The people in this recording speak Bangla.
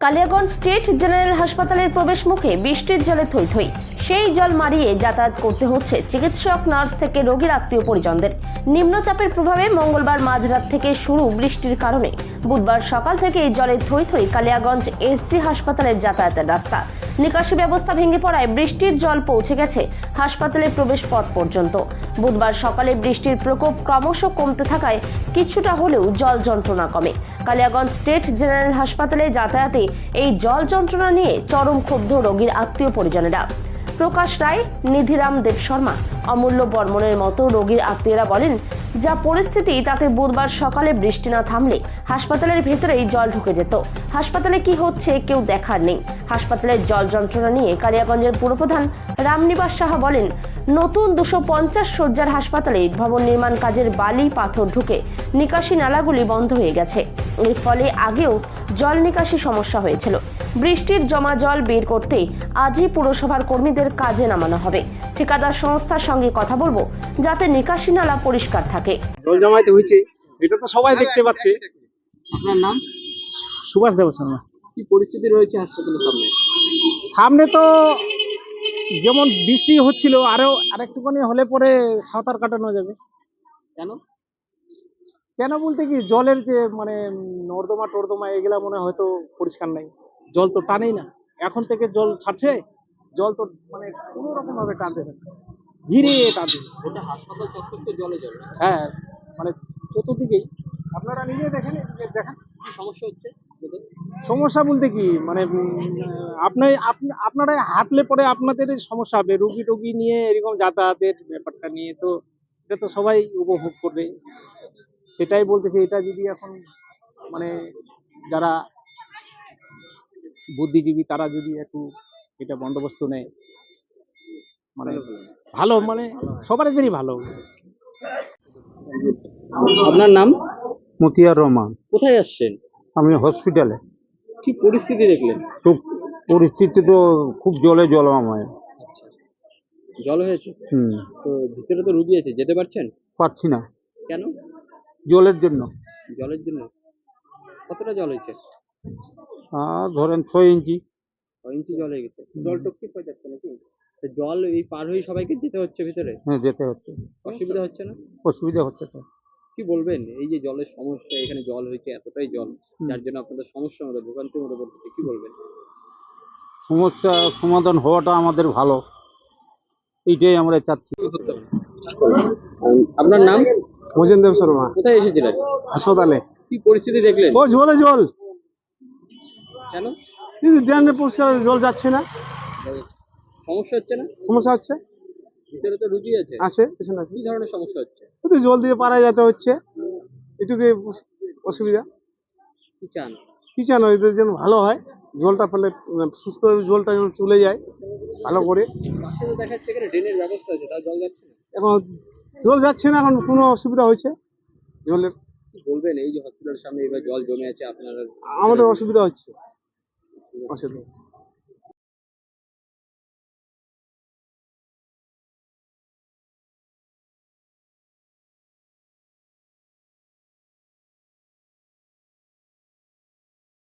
কালিয়াগঞ্জ স্টেট জেনারেল হাসপাতালের প্রবেশ মুখে বৃষ্টির জলে থই থই। সেই জল মারিয়ে যাতায়াত করতে হচ্ছে চিকিৎসক, নার্স থেকে রোগীর আত্মীয় পরিজনদের। নিম্নচাপের প্রভাবে মঙ্গলবার মাঝরাত থেকে শুরু বৃষ্টির কারণে বুধবার সকাল থেকে জলে থই থই কালিয়াগঞ্জ এসজি হাসপাতালের যাতায়াতের রাস্তা। নিকাশি ব্যবস্থা ভেঙে পড়ায় বৃষ্টির জল পৌঁছে গেছে হাসপাতালের প্রবেশ পথ পর্যন্ত। বুধবার সকালে বৃষ্টির প্রকোপ ক্রমশ কমতে থাকায় কিছুটা হলেও জল যন্ত্রণা কমে। কালিয়াগঞ্জ স্টেট জেনারেল হাসপাতালে যাতায়াতে এই জল যন্ত্রণা নিয়ে চরম ক্ষুব্ধ রোগীর আত্মীয় পরিজনেরা। প্রকাশ রায়, নিধিরাম দেব শর্মা, অমূল্য বর্মনের মতো রোগীর আত্মীয়রা বলেন, যা পরিস্থিতি তাতে বুধবার সকালে বৃষ্টি না থামলে হাসপাতালের ভেতরেই জল ঢুকে যেত। হাসপাতালে কি হচ্ছে কেউ দেখার নেই। হাসপাতালের জল যন্ত্রণা নিয়ে কালিয়াগঞ্জের পুরপ্রধান রামনিবাস সাহা বলেন, নতুন 250 শয্যার হাসপাতালে ভবন নির্মাণ কাজের বালি পাথর ঢুকে নিকাশি নালাগুলি বন্ধ হয়ে গেছে। এর ফলে আগেও জল নিকাশি সমস্যা হয়েছিল। বৃষ্টির জমা জল বের করতে আজই পুরসভার কর্মীদের কাজে নামানো হবে। ঠিকাদার সংস্থার সঙ্গে কথা বলবো যাতে নিকাশি নালা পরিষ্কার থাকে। জল জমাইতে হয়েছে, এটা তো সবাই দেখতে পাচ্ছে। আপনার নাম? সুভাষ দেব শর্মা। কি পরিস্থিতি রয়েছে হাসপাতালের সামনে? সামনে তো যেমন বৃষ্টি হচ্ছিল, আরেকটুখানি হলে পরে সাঁতার কাটানো যাবে। কেন? কেন বলতে কি, জলের যে নর্দমা টর্দমা এগুলা মনে হয়তো পরিষ্কার নাই, জল তো টানেই না। এখন থেকে জল ছাড়ছে, জল তো কোনো রকম ভাবে টানতে থাকে, ধীরে টানতে। ওটা হাসপাতাল চত্বর তো জলে জল। হ্যাঁ, চতুর্দিকেই আপনারা নিজে দেখেন, দেখেন কি সমস্যা হচ্ছে আপনাদের? সমস্যা বলতে কি, আপনারা হাঁটলে পরে আপনাদের সমস্যা হবে। রুগী নিয়ে এরকম যাতায়াতের ব্যাপারটা নিয়ে তো এটা তো সবাই উপভোগ করবে। সেটাই বলতেছি, এটা যদি এখন যারা বুদ্ধিজীবী তারা যদি একটু এটা বন্দোবস্ত নেয়, ভালো, সবারই ভালো। আপনার নাম? মতিয়ার রহমান। কোথায় আসছেন? আমি হসপিটালে। কি পরিস্থিতি দেখলেন? খুব পরিস্থিতি তো খুব জলময়। জল হয়েছে তো, ভিতরে তো রুগী আছে, যেতে পারছেন? পাচ্ছি না। কেন? জলের জন্য। জলের জন্য? কতটা জল হয়েছে? ধরেন 6 ইঞ্চি। 6 ইঞ্চি জল হয়ে গেছে। জল টপকি হয়ে যাচ্ছে নাকি? তো জল এই পার হয়ে সবাইকে যেতে হচ্ছে ভিতরে? হ্যাঁ, যেতে হচ্ছে। অসুবিধা হচ্ছে না? অসুবিধা হচ্ছে তো। কি বলবেন, এই যে জলের সমস্যা, এখানে জল হয়েছে এতটাই জল, যার জন্য আপনাদের সমস্যার মধ্যে, ভোগান্তির মধ্যে পড়তেছে, কি বলবেন? সমস্যা সমাধান হওয়াটা আমাদের ভালো, এইটাই আমরা চাচ্ছি। আপনার নাম? মোজেন দেব শর্মা। কোথায় এসেছিলেন? হাসপাতালে। কি পরিস্থিতি দেখলেন? ও জল কেন? কিন্তু ড্রেনে পরিষ্কার জল যাচ্ছে না, সমস্যা হচ্ছে না? সমস্যা হচ্ছে। ভিতরে তো রুগী আছে। পেছনে আছে। কি ধরনের সমস্যা হচ্ছে? কিন্তু জল দিয়ে পাড়ায় যেতে হচ্ছে, এটুকু অসুবিধা। কি চান? কি জানো, এদের যেন ভালো হয়, জলটা পেলে সুস্থ জলটা যেন চলে যায় ভালো করে। পাশে তো দেখা যাচ্ছে এখানে ড্রেনের ব্যবস্থা আছে, তাও জল যাচ্ছে না। এখন জল যাচ্ছে না, এখন কোনো অসুবিধা হয়েছে জলের। কি বলবেন, এই যে হসপিটালের সামনে এবার জল জমে আছে, আপনারা? আমাদের অসুবিধা হচ্ছে।